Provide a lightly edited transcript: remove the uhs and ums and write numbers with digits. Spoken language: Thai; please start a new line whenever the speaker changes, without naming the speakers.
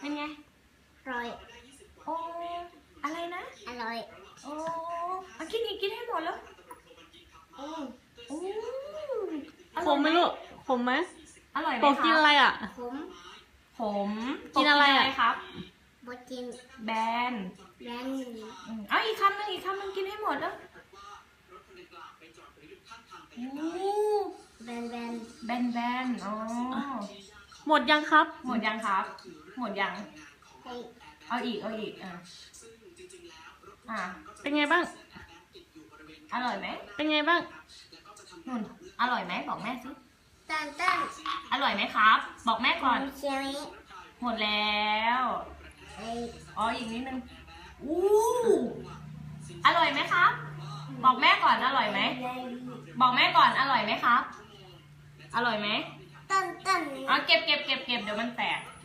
เป็นไง
อร่อย
โอ้อะไรนะ
อร่อย
โอ้กินอีกกินให้หมดแล้วโอ้
ขมไหมลูกขมไหม
อร่อยไหม
โปกินอะไรอ่ะ
ผม
กินอะไรอ่ะ
ครับ
บดกิน
แบน
แบน
เอาอีกคำหนึงกินให้หมดแล้ว
แบน
แบนอ๋อ
หมดยังครับ
หมดยังครับ หมดยัง
ให้
เอาอีก
เป็นไงบ้าง
อร่อยไหม
เป็นไงบ้าง
นุ่นอร่อยไหมบอกแม่สิ
ตั้น
อร่อยไหมครับ บอกแม่ก่อน
เชียวนี้
หมดแล้ว
ไอ้
อ๋ออีกนิดนึงอร่อยไหมครับ บอกแม่ก่อนอร่อยไหมบอกแม่ก่อนอร่อยไหมครับ อร่อยไหม
ตั้น
เอาเก็บเดี๋ยวมันแตก